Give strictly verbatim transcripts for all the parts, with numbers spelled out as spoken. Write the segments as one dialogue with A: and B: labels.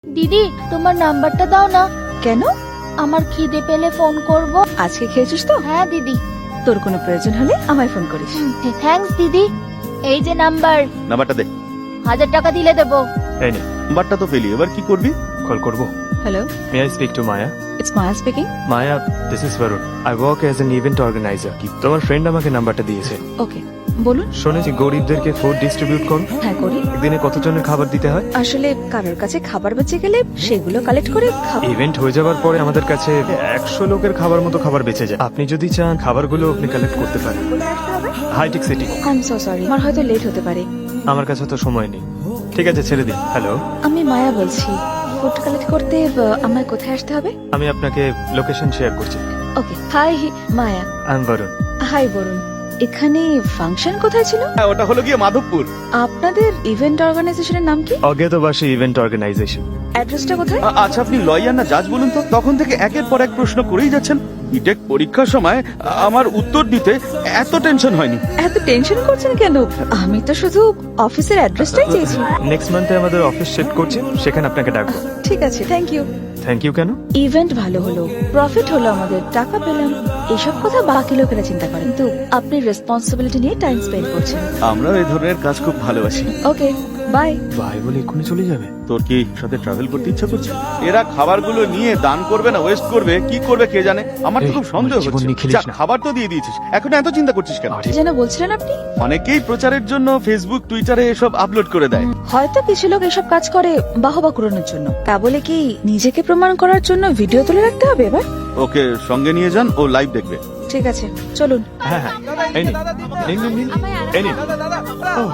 A: দিদি তোমার নাম্বারটা দাও না।
B: কেন?
A: আমার খিদে পেলে ফোন করব।
B: আজকে খেয়েছিস তো?
A: হ্যাঁ দিদি।
B: তোর কোনো প্রয়োজন হলে আমায় ফোন করিস।
A: থ্যাঙ্কস দিদি। এই যে নাম্বার,
C: নাম্বারটা দে।
A: হাজার টাকা দিলে দেবো।
D: এই নে,
C: নাম্বারটা তো পেলি, এবার কি করবি?
D: কল করব।
B: Hello,
D: may I speak to Maya?
B: It's Maya speaking.
D: Maya, this is Varun. I work as an event organiser. তোমার ফ্রেন্ড আমাকে নাম্বারটা দিয়েছে।
B: ওকে, বলুন।
D: শুনেছি গরিবদেরকে ফুড ডিস্ট্রিবিউট করো।
B: হ্যাঁ করি।
D: একদিনে কতজনের খাবার দিতে হয়?
B: আসলে কারোর কাছে খাবার বেঁচে গেলে সেগুলো কালেক্ট করে খাবো।
D: ইভেন্ট হয়ে যাওয়ার পরে আমাদের কাছে একশো লোকের খাবার মতো খাবার বেঁচে যায়। আপনি যদি চান খাবারগুলো আপনি কালেক্ট করতে পারেন। Hi tech city.
B: I am so sorry, আমার হয়তো লেট হতে পারে।
D: আমার কাছে তো সময় নেই। ঠিক আছে, ছেড়ে দিন। হ্যালো,
B: আমি মায়া বলছি। ফুড কালেক্ট করতে আহ, আমায় কোথায় আসতে হবে?
D: আমি আপনাকে লোকেশন শেয়ার করছি।
B: Okay, hi Maya.
D: I am Varun.
B: Hi Varun. এখানে ফাংশন কোথায় ছিল?
C: হ্যাঁ, ওটা হলো গিয়ে মাধবপুর।
B: আপনাদের ইভেন্ট অর্গানাইজেশনের নাম কি?
D: অজ্ঞাতবাসী ইভেন্ট অর্গানাইজেশন।
B: অ্যাড্রেসটা কোথায়?
C: আ- আচ্ছা, আপনি লয়ার না জাজ বলুন তো? তখন থেকে একের পর এক প্রশ্ন করেই যাচ্ছেন। বিটেক পরীক্ষার সময় আ- আমার উত্তর দিতে এত টেনশন হয়নি।
B: এত টেনশন করছেন কেন? আমি তো শুধু অফিসের অ্যাড্রেসটাই চেয়েছি।
D: নেক্সট মান্থে আমাদের অফিস শিফট করছি, সেখানে আপনাকে ডাকবো।
B: ঠিক আছে, থ্যাংক ইউ।
D: থ্যাংক ইউ কেন?
B: ইভেন্ট ভালো হলো, প্রফিট হলো, আমাদের টাকা পেলাম, এসব কথা বাকি লোকেরা চিন্তা করেন, কিন্তু আপনি রেসপন্সিবিলিটি নিয়ে টাইম স্পেন্ড করছেন।
C: আমরাও এই ধরনের কাজ খুব ভালোবাসি।
B: Okay, bye.
D: ভাই বলে এক্ষুনি চলে যাবে?
C: তোর কি সাথে ট্রাভেল করতে ইচ্ছা করছে? এরা খাবারগুলো নিয়ে দান করবে না ওয়েস্ট করবে, কি করবে কে জানে। আমার তো
D: এই,
C: খুব সন্দেহ
D: আমার জীবন
C: হচ্ছে।
D: নিয়ে খেলিস
C: যা,
D: না।
C: খাবার তো দিয়ে দিয়েছিস, এখন এত চিন্তা করছিস কেন?
D: আরে,
B: যেন বলছিলেন আপনি?
C: অনেকেই প্রচারের জন্য ফেসবুক টুইটারে এসব আপলোড করে দেয়।
B: হয়তো কিছু লোক এসব কাজ করে বাহবা কুড়ানোর জন্য, তা বলে কি নিজেকে প্রমাণ করার জন্য ভিডিও তুলে রাখতে হবে এবার?
C: ওকে সঙ্গে নিয়ে যান, ও লাইভ দেখবে।
B: ঠিক আছে, চলুন।
D: হ্যাঁ হ্যাঁ, এই নিন, নিন, নিন, নিন, এই নিন। ওহ,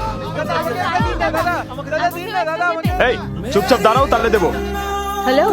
D: এই চুপচাপ দাঁড়াও, তাহলে দেবো।
B: হ্যালো,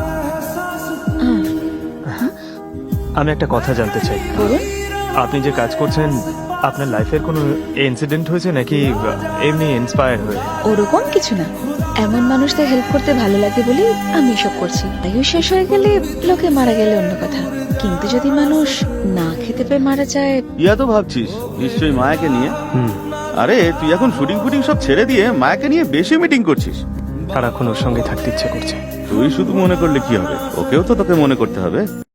D: আমি একটা কথা জানতে চাই।
B: বলুন।
D: আপনি যে কাজ করছেন, আপনার লাইফের কোনো ইনসিডেন্ট হয়েছে নাকি এমনি ইন্সপায়ার হয়ে?
B: ওরকম কিছু না, এমন মানুষদের হেল্প করতে ভালো লাগে বলেই আমি এসব করছি। আয়ু শেষ হয়ে গেলে, লোকে মারা গেলে অন্য কথা, কিন্তু যদি মানুষ না খেতে পেয়ে মারা যায়।
C: ইয়া তো ভাবছিস নিশ্চয়ই মায়াকে নিয়ে।
D: হুম,
C: আরে তুই এখন শুটিং ফুটিং সব ছেড়ে দিয়ে মায়াকে নিয়ে বেশি মিটিং করছিস।
D: সারাক্ষণ ওর সঙ্গে থাকতে ইচ্ছে করছে।
C: তুই শুধু মনে করলে কি হবে, ওকেও তো তোকে মনে করতে হবে।